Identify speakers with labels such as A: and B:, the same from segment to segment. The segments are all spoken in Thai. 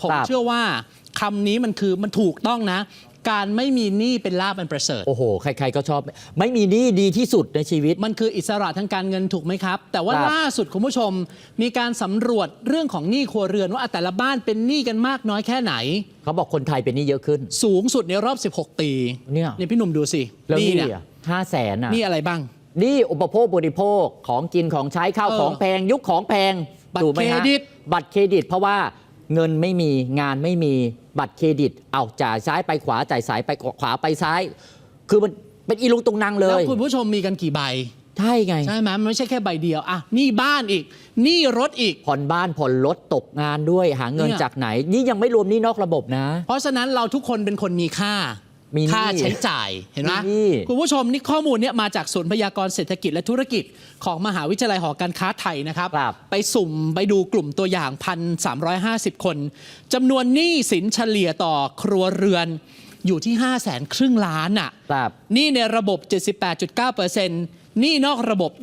A: ผมเชื่อว่าคำนี้มันถูกต้องนะการไม่มีหนี้เป็นลาภอันประเสริฐ
B: โอ้โหใครๆก็ชอบไม่มีหนี้ดีที่สุดในชีวิต
A: มันคืออิสระทางการเงินถูกไหมครับแต่ว่าล่าสุดคุณผู้ชมมีการสำรวจเรื่องของหนี้ครัวเรือนว่าแต่ละบ้านเป็นหนี้กันมากน้อยแค่ไหน
B: เขาบอกคนไทยเป็นหนี้เยอะขึ้น
A: สูงสุดในรอบ16 ปี
B: เนี่ย
A: พี่หนุ่มดูสิ
B: นี่เนี่ย500,000
A: หนี้อะไรบ้าง
B: หนี้อุปโภคบริโภคของกินของใช้ข้าวของแพงยุคของแพง
A: บัตรเครดิต
B: เพราะว่าเงินไม่มีงานไม่มีบัตรเครดิตเอาจ่ายซ้ายไปขวาจ่ายซ้ายไปขวาไปซ้ายคือมันเป็นอีลุงตุงนางเลย
A: แล้วคุณผู้ชมมีกันกี่ใบ
B: ใช่ไง
A: ใช่ไหมมันไม่ใช่แค่ใบเดียวอ่ะหนี้บ้านอีกหนี้รถอีก
B: ผ่อนบ้านผ่อนรถตกงานด้วยหาเงินจากไหนนี่ยังไม่รวมหนี้นอกระบบนะ
A: เพราะฉะนั้นเราทุกคนเป็นคนมีค่าใช้จ่ายเห็นไหมคุณผู้ชมนี่ข้อมูลเนี่ยมาจากศูนย์พยากรณ์เศรษฐกิจและธุรกิจของมหาวิทยาลัยหอการค้าไทยนะครับไปสุ่มไปดูกลุ่มตัวอย่าง 1,350 คนจำนวนหนี้สินเฉลี่ยต่อครัวเรือนอยู่ที่ 530,000 ล้านอ่ะหนี้ในระบบ 78.9% หนี้นอกระบบ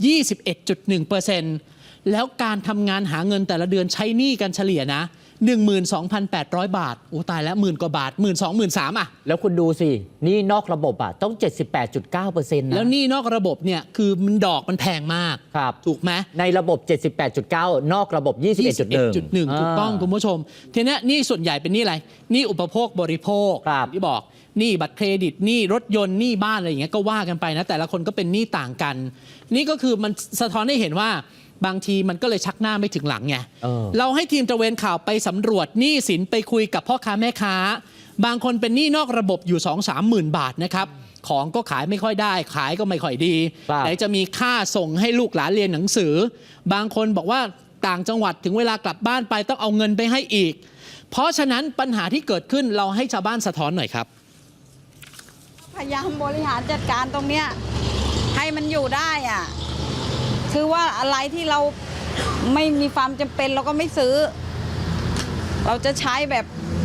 A: 21.1% แล้วการทำงานหาเงินแต่ละเดือนใช้หนี้กันเฉลี่ยนะ 12,800 บาทโอ้ตายแล้วหมื่นกว่าบาท 12,000-13,000 อ่ะ
B: แล้วคุณดูสินี่นอกระบบอ่ะต้อง 78.9% นะ
A: แล้วนี่นอกระบบเนี่ยคือมันดอกมันแพงมาก
B: ครับ
A: ถูกไหม
B: ในระบบ 78.9 นอกระบบ 21.1
A: ถูกต้องคุณผู้ชมทีนี้นี่ส่วนใหญ่เป็นนี่อะไรนี่อุปโภคบริโภคที่บอกนี่บัตรเครดิตนี่รถยนต์นี่บ้านอะไรอย่างเงี้ยก็ว่ากันไปนะแต่ละคนก็เป็นหนี้ต่างกันนี่ก็คือมันสะท้อนให้เห็นว่าบางทีมันก็เลยชักหน้าไม่ถึงหลังไงเราให้ทีมตระเวนข่าวไปสำรวจหนี้สินไปคุยกับพ่อค้าแม่ค้าบางคนเป็นหนี้นอกระบบอยู่ 2-3 หมื่นบาทนะครับของก็ขายไม่ค่อยได้ขายก็ไม่ค่อยดีไหนจะมีค่าส่งให้ลูกหลานเรียนหนังสือบางคนบอกว่าต่างจังหวัดถึงเวลากลับบ้านไปต้องเอาเงินไปให้อีกเพราะฉะนั้นปัญหาที่เกิดขึ้นเราให้ชาวบ้านสะท้อนหน่อยครับ
C: พยายามบริหารจัดการตรงเนี้ยให้มันอยู่ได้อ่ะคือว่าอะไรที่เราไม่มีความจำเป็นเราก็ไม่ซื้อเราจะใช้แบบ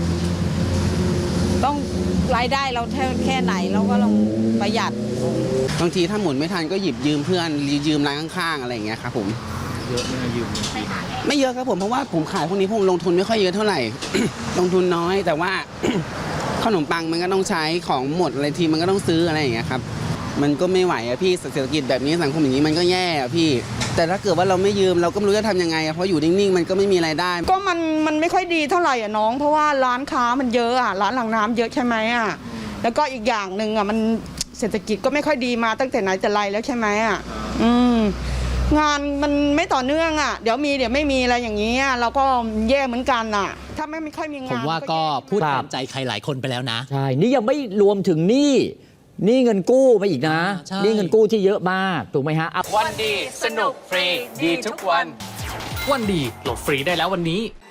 C: ต้องรายได้เราแค่ไหนเราก็ลองประหยัด
D: บางทีถ้าหมุนไม่ทันก็หยิบยืมเพื่อนยืมร้านข้างๆอะไรอย่างเงี้ยครับผม
E: เยอะไม่ยืม
D: ไม่เยอะครับผมเพราะว่าผมขายพวกนี้ผมลงทุนไม่ค่อยเยอะเท่าไหร่ ลงทุนน้อยแต่ว่า ขนมปังมันก็ต้องใช้ของหมดอะไรทีมันก็ต้องซื้ออะไรอย่างเงี้ยครับมันก็ไม่ไหวอะพี่เศรษฐกิจแบบนี้สังคมอย่างนี้มันก็แย่อะพี่แต่ถ้าเกิดว่าเราไม่ยืมเราก็ไม่รู้จะทำยังไงเพราะอยู่นิ่งๆมันก็ไม่มีรายได้
C: ก็มันไม่ค่อยดีเท่าไหร่อ่ะน้องเพราะว่าร้านค้ามันเยอะอ่ะร้านหลังน้ำเยอะใช่ไหมอ่ะแล้วก็อีกอย่างหนึ่งอ่ะมันเศรษฐกิจก็ไม่ค่อยดีมาตั้งแต่ไหนแต่ไรแล้วใช่ไหมอ่ะงานมันไม่ต่อเนื่องอ่ะเดี๋ยวมีเดี๋ยวไม่มีอะไรอย่างนี้เราก็แย่เหมือนกันอ่ะถ้าไม่ค่อยมีงาน
A: ผมว่าก็พูดแทนใจใครหลายคนไปแล้วนะ
B: ใช่นี่ยังไม่รวมถึงหนี้เงินกู้ไปอีกนะนี่เงินกู้ที่เยอะมากถูกไหมฮะ
F: วันดีสนุกฟรีดีทุกวัน
A: วันดีโหลดฟรีได้แล้ววันนี้